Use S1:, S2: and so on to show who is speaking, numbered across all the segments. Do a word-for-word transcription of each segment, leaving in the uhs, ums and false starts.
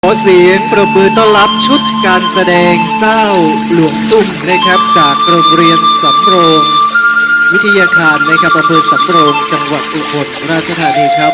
S1: ขอเสียงปรบมือต้อนรับชุดการแสดงเจ้าหลวงตุ้มนะครับจากโรงเรียนสำโรงวิทยาคารนะครับอำเภอสำโรงจังหวัดอุบลราชธานีครับ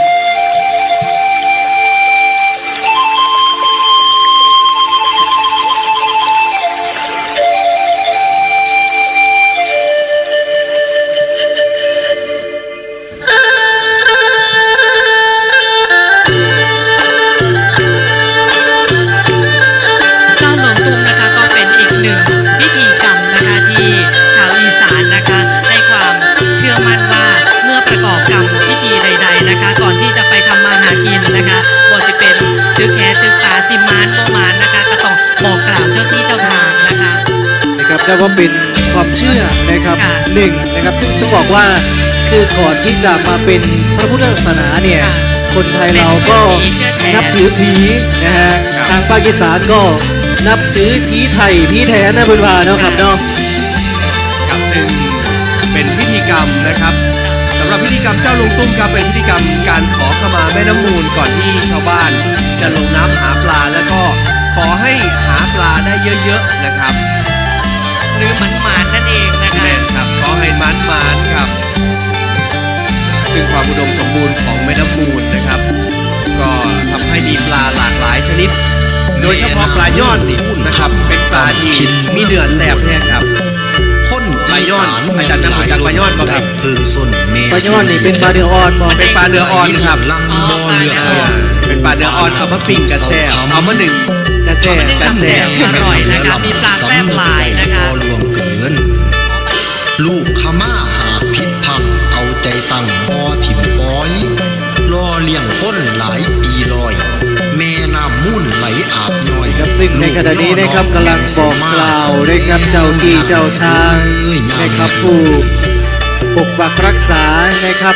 S2: ตึกแขตึกตาสิมานโมมานนะคะก็ต้องบอกกล่าวเจ้าที่เจ้าทางนะคะ
S1: นะครับได้ว่าเป็นความเชื่อนะครับหนึ่งนะครับซึ่งต้องบอกว่าคือก่อนที่จะมาเป็นพระพุทธศาสนาเนี่ยคนไทยเราก็นับถือผีนะฮะทางภาคอีสานก็นับถือผีไทยผีแทนนะเพื่อนว่าเนาะครับเนาะ
S3: ครับซึ่งเป็นพิธีกรรมนะครับสำหรับพิธีกรรมเจ้าหลวงตุ้มครับเป็นพิธีกรรมการขอขมาแม่น้ำมูลก่อนที่ชาวบ้านจะลงน้ำหาปลาแล้วก็ขอให้หาปลาได้เยอะๆนะครับ
S2: หรือมันหมานนั่นเองนะคะ
S3: แม่นครับขอให้มันหมานครับซึ่งความอุดมสมบูรณ์ของแม่น้ำมูลนะครับก็ทำให้มีปลาหลากหลายชนิดโดยเฉพาะปลายอดนี่นะครับเป็นปลาที่มีเนื้อแซ่บแน่ครับปลาย้อนอาจารย์จะรู้จักปลาย้อนบ่ครับ
S1: ปลาย้อนนี่เป็นปลาเนื้ออ่อนบ่
S3: เป็นปลาเนื้ออ่อนครับเป็นปลาเนื้ออ่อนเอามาปิ้งกระแซบเอามาหนึ่ง
S1: กระแซบ
S2: กระแซบอร่อยนะคะมีปลาแซ่บหลายนะคะ
S4: รวมเกินลูกขม่าหากผิดพังเอาใจตั้งพอถิ่มป้อยรอเลี้ยงพ้นหลายปีลอยแม่น้ำมุ่นไหลอาบน้อย
S1: ครับซึ่งในขณะนี้นะครับกำลังบอกกล่าวนะครับเจ้าที่เจ้าทางนะครับผู้ปกปักรักษานะครับ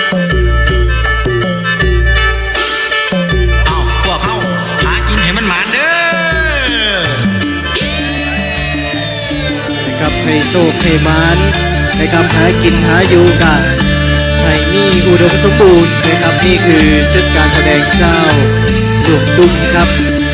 S4: เอาพวกเขาหากินให้มันหมานเด้อ
S1: นะครับให้โชคให้หมานนะครับหากินหาอยู่กันให้มีอุดมสมบูรณ์นะครับนี่คือชุดการแสดงเจ้าหลวงตุ้มครับ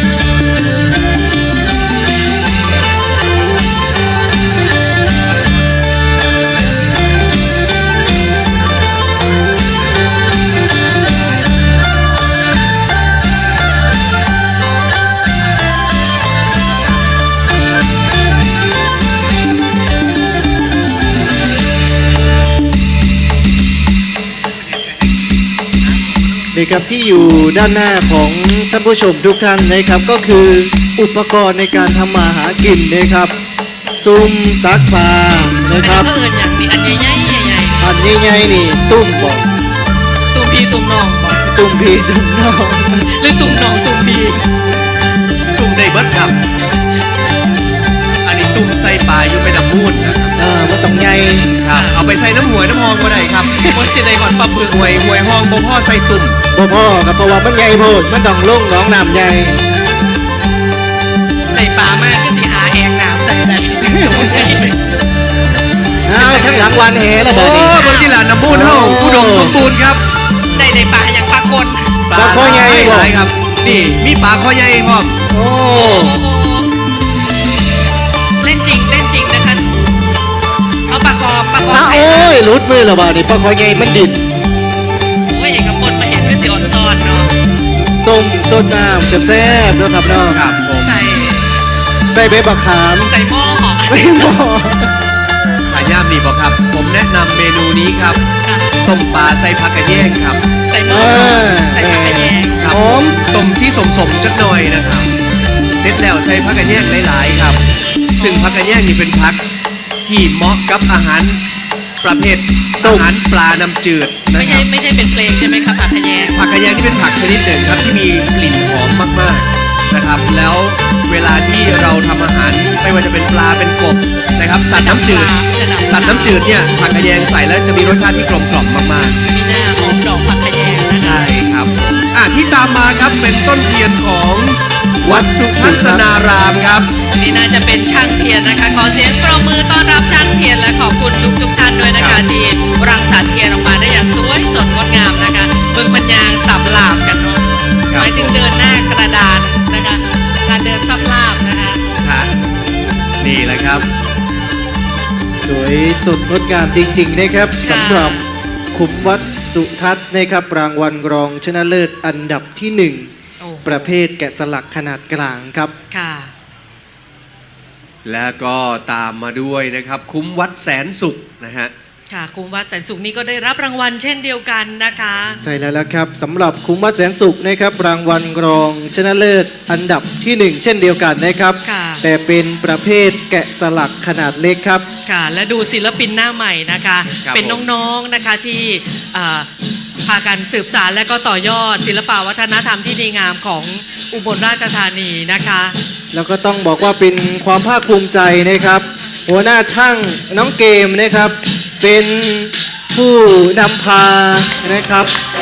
S1: นะครับที่อยู่ด้านหน้าของท่านผู้ชมทุกท่านนะครับก็คืออุปกรณ์ในการทำมาหากินนะครับซุ้มซักผ้านะครับ
S2: อันนี้ก็เอิญอย่างนี้อันใหญ่ๆใหญ่
S1: ๆอันใหญ่ๆนี่ตุ้มบอก
S2: ตุ้มพีตุ้มน้องบอก
S1: ตุ้มพีตุ้มน้อง
S2: หรือตุ้มน้องตุ้มพี
S3: ตุ้มได้เบิดครับอันนี้ตุ้มใส่ปลาอยู่ไปน้ำมูลนะครับ
S1: เออมันต้องใหญ่
S3: ครับเอาไปใส่น้ำหวยน้ำหองก็ได้ครับ
S2: มันจะได้ก่อนปลาบึก
S3: หวยหวยห้องบ่พ่อใส่ตุ่ม
S1: บ่พ่อกับเพราะว่ามันใหญ่โพดมันต้องลงหนองน้ำใหญ่
S2: ในปลามากก็สิหาแหงน้ำใส่ได้
S1: อ้าวทั้งหลังวันแห่แล้ว
S3: โอ้บนที่หลานน้ำมูลเฮาอุดมสมบูรณ์ครับ
S2: ได้ในปลาอย่างปลาคน
S1: ปลาคอใหญ่
S3: หลายครับนี่มีปลาคอใหญ่พร้อม
S1: โอ้
S2: เล่นจริงเล่นจริงนะคะเอาปลากรอบปลากรอบ
S1: โอ้ยรุดมือแล้วบ่านี่ปลาคอใหญ่มันดิ่น
S2: โอ้ยเอกพลมาเห็นก็สิอ่อนซ้อนเนาะ
S1: ต้มสดน้ำแซ่บๆนะครับเนาะ
S3: ครับผม
S2: ใส่
S1: ใส่ใบบักขาม
S2: ใส่หม้อ
S1: ใส่หม้อ
S3: ขายย่ามดีบ่ครับผมแนะนำเมนูนี้ครับต้มปลาใส่ผักกระแยงครับ
S2: ใส่หม้อใส่ผักกระแยง
S3: ครับต้มที่สมๆจักหน่อยนะครับเสร็จแล้วใส่ผักกระแยงหลายๆครับซึ่งผักกระแยงนี่เป็นผักที่เหมาะกับอาหารประเภทอาหารปลาน้ำจืด
S2: ไม่ใช่ไม่ใช่เป็นเพลงใช่ไหมครับผักขยง
S3: ผักขยงที่เป็นผักชนิดหนึ่งครับที่มีกลิ่นหอมมากๆนะครับแล้วเวลาที่เราทำอาหารไม่ว่าจะเป็นปลาเป็นกบนะครับสัตว์น้ำจืดสัตว์น้ำจืดเนี่ยผักขยงใส่แล้วจะมีรสชาติที่กลมกล่อมมาก
S2: ๆมีหน้าหอมดอกผักขยง
S3: ใช่ครับอ่ะที่ตามมาครับเป็นต้นเทียนของวัดสุทัศนารามครับ
S2: นี่น่าจะเป็นช่างเทียนนะคะขอเสียงปรบมือต้อนรับช่างเทียนและขอบคุณทุกทุกท่านด้วยนะคะที่รังสรรค์เทียนออกมาได้อย่างสวยสดงดงามนะคะเบิ่งบรรยางสับหลาบกันเนาะหมายถึงเดินหน้ากระดานนะคะ
S3: นะครับ
S1: สวยสดงดงามจริงๆนะครับสำหรับขุมวัดสุทัศน์นะครับรางวัลรองชนะเลิศอันดับที่หนึ่ง
S2: โอ้โห
S1: ประเภทแกะสลักขนาดกลางครับ
S2: ค่ะ
S3: แล้วก็ตามมาด้วยนะครับคุ้มวัดแสนสุขนะฮะ
S2: ค่ะคุมวัดแสนสุขนี่ก็ได้รับรางวัลเช่นเดียวกันนะคะ
S1: ใช่แล้วละครับสำหรับคุ้มวัดแสนสุขนะครับรางวัลรองชนะเลิศอันดับที่หนึ่งเช่นเดียวกันนะครับ
S2: ค่ะ
S1: แต่เป็นประเภทแกะสลักขนาดเล็กครับ
S2: ค่ะ และดูศิลปินหน้าใหม่นะคะ
S3: ครับ
S2: เป็นน้องๆนะคะที่อ่าพากันสืบสานและก็ต่อยอดศิลปวัฒนธรรมที่ดีงามของอุบลราชธานีนะคะ
S1: แล้วก็ต้องบอกว่าเป็นความภาคภูมิใจนะครับ หัวหน้าช่างน้องเกมนะครับ เป็นผู้นำพานะครับ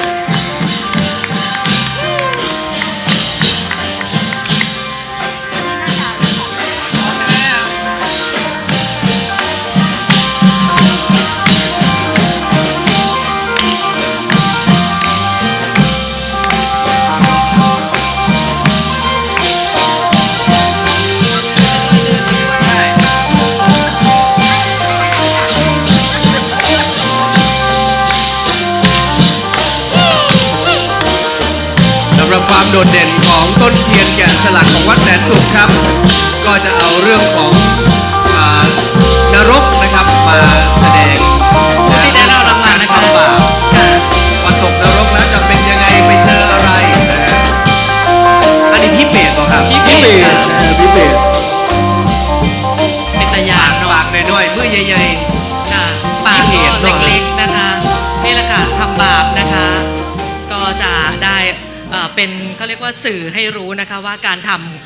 S3: สำหรับความโดดเด่นของต้นเทียนแกะสลักของวัดแสนสุขครับ ก็จะเอาเรื่องของอานรกนะครับมาแสดง
S2: ผู้ที่ได้รับรางวัลนะคะ
S3: วามบาปพอตกนรกแล้วจะเป็นยังไงไปเจออะไรนะฮะอันนี้พี่เปรตบอกครับ
S2: พี่
S1: พิเบศพิเบศ
S2: เป็นตะยานเนาะ
S3: ปากน้อยๆมือใหญ่
S2: ค่ะปาก
S3: พี่
S2: ก็
S3: เห็นเนอะ
S2: เล็กๆนะคะนี่แหละค่ะทำบาปนะคะ ก็จะได้เอ่อเป็นเขาเรียกว่าสื่อให้รู้นะคะว่าการท